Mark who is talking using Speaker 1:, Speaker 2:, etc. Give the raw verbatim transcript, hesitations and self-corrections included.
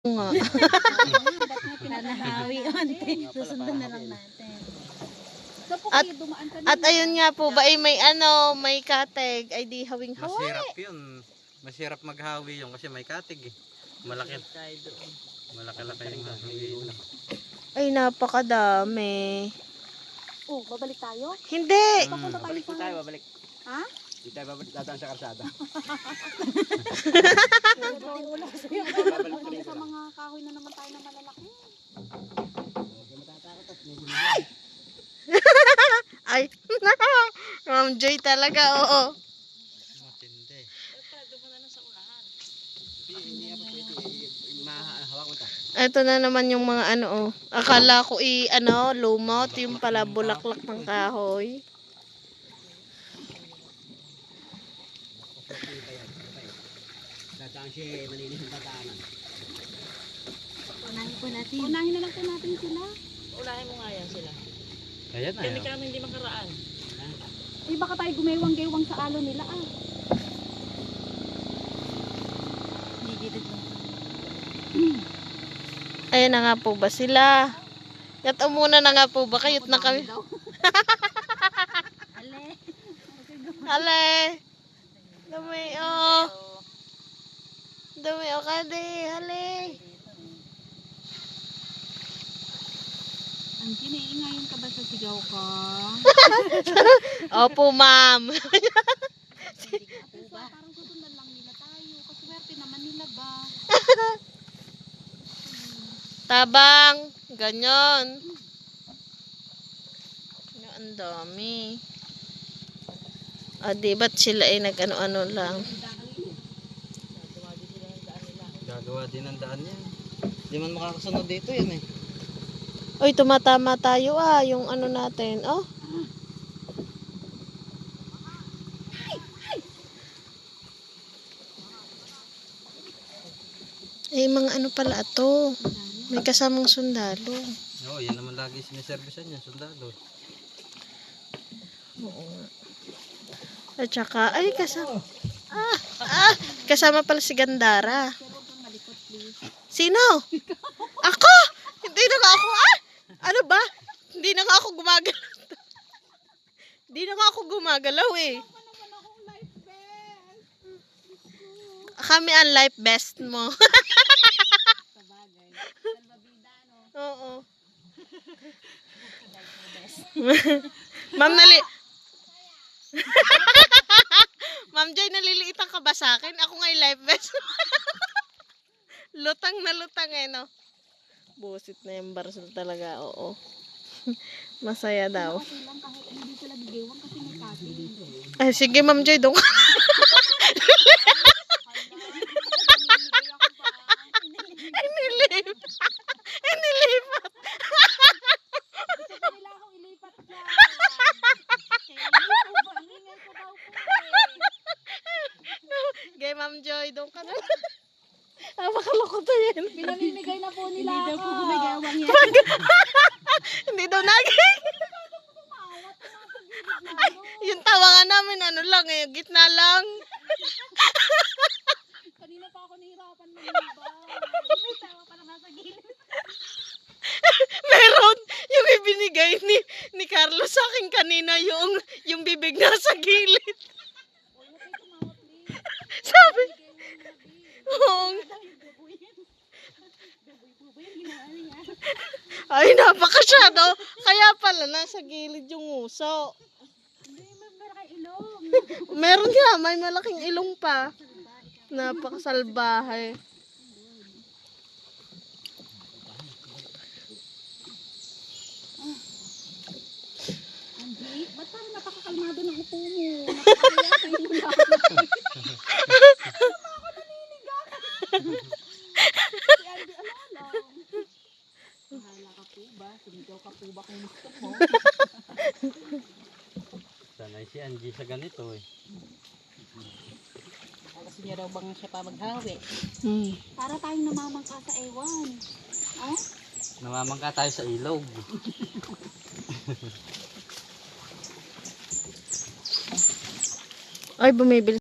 Speaker 1: Nga.
Speaker 2: Nahawi onte. Susundan na lang natin.
Speaker 1: At, at ayun nga po ba ay may ano, may kateg, ay di hawing hawi.
Speaker 3: Masirap yun. Masirap maghawi yun kasi may katig eh. Malaki. Malaki-laki yung hawi.
Speaker 1: Ay napakadami.
Speaker 2: Oh, babalik tayo?
Speaker 1: Hindi.
Speaker 2: Papunta tayo
Speaker 4: Babalik
Speaker 2: sa...
Speaker 4: tayo, babalik.
Speaker 2: Ha?
Speaker 4: Hindi tayo babalik, dadaan sa karsada.
Speaker 2: Wala sa'yo.
Speaker 4: Babalik
Speaker 2: Wala
Speaker 4: tuloy
Speaker 2: sa
Speaker 4: ko lang.
Speaker 2: mga kahoy na naman tayo na malalaki.
Speaker 1: Ay, Ma'am Joy talaga, oo.
Speaker 3: Matindi.
Speaker 4: Hindi nga pa pwede. Mahawak mo ito.
Speaker 1: Ito na naman yung mga ano, oh. Akala ko i, ano, lumot, yung pala bulaklak ng kahoy.
Speaker 4: Dadaan siya, malinis yung dadaanan.
Speaker 2: Unahin po natin. Unahin na lang po natin sila.
Speaker 5: Ulahin mo nga yan sila.
Speaker 3: Ayan na
Speaker 5: Kami
Speaker 3: yun.
Speaker 5: kami hindi makaraan.
Speaker 2: Eh, baka tayo gumewang-gewang sa alo nila ah.
Speaker 1: Ayan na nga po ba sila? Yat muna na nga po ba? Kayot na kami.
Speaker 2: Ale.
Speaker 1: Ale. Dumi, oh. Dumi, oh, kade. Hale.
Speaker 2: Ang kiniingayon ka ba sa sigaw ka?
Speaker 1: Opo, ma'am.
Speaker 2: Diba? Parang susundan lang nila tayo. Kaswerte naman nila ba?
Speaker 1: Tabang. Ganyan. Ano, ang dami. Ah, di ba't sila ay nag-ano-ano lang?
Speaker 3: Gagawa din ng daan yan. Hindi man makakasunod dito yan eh.
Speaker 1: Uy, tumatama tayo ah. Yung ano natin, oh. Eh, mga ano pala ito. May kasamang sundalo.
Speaker 3: Oo, yan naman lagi siniservisan yan, sundalo.
Speaker 1: Oo nga. At saka, ay kasama. Ah, ah, kasama pala si Gandara. Sino? Ako! Hindi na nga ako, ah! Ano ba? Hindi na nga ako gumagalaw. Hindi na nga ako gumagalaw eh. Kami ang life best mo. Oo. Ma'am, nali... Ma'am Joy, naliliitan ka ba sa akin? Ako nga yung life best. Lutang na lutang eh, no? Busit na yung barsol talaga, oo. Masaya daw.
Speaker 2: Okay lang kahit hindi sila gigewang kasi may kasi.
Speaker 1: Ay, sige Ma'am Joy, doon ka. Inilip. Inilipat.
Speaker 2: Gusto nila akong ilipat dyan. Kaya ingay ko ba? Ingay ko daw po eh.
Speaker 1: Gay Ma'am Joy, doon ka na. Ah, makaloko to yan.
Speaker 2: Pinamimigay na po nila
Speaker 1: Hindi daw
Speaker 2: ako.
Speaker 1: po
Speaker 2: gumagawang yan.
Speaker 1: Hindi daw naging. Yung tawa nga namin, ano lang eh, gitna lang.
Speaker 2: Kanina pa ako nahirapan mag-ibang. May tawa pa lang nasa gilid.
Speaker 1: Meron yung ibinigay ni ni Carlos sa akin kanina, yung yung bibig nasa gilid.
Speaker 2: Uy, huwag kayo tumawa, please.
Speaker 1: Sabi,
Speaker 2: Bigay mo
Speaker 1: oo.
Speaker 2: na, baboy. Baboy po ba yung ginawa niya?
Speaker 1: Ay, napakasyado. Kaya pala, nasa gilid yung uso.
Speaker 2: Hindi, may meron ilong.
Speaker 1: Meron nga, may malaking ilong pa. Napakasalbahe.
Speaker 2: Andy, ba't parang napakakalmado ng upo mo? Nakakaya kayo mo lang. Tama ako naninigas. Si Andy, ano lang. Bahala ka po ba? Sumigaw ka po ba kung gusto mo?
Speaker 3: Sanay si Angie sa ganito eh.
Speaker 5: Kasi niya daw bang siya pa maghawi.
Speaker 1: Hmm.
Speaker 2: Para tayong namamangka sa ewan. Oh?
Speaker 3: Namamangka tayo sa ilog.
Speaker 1: Ay, bumibili.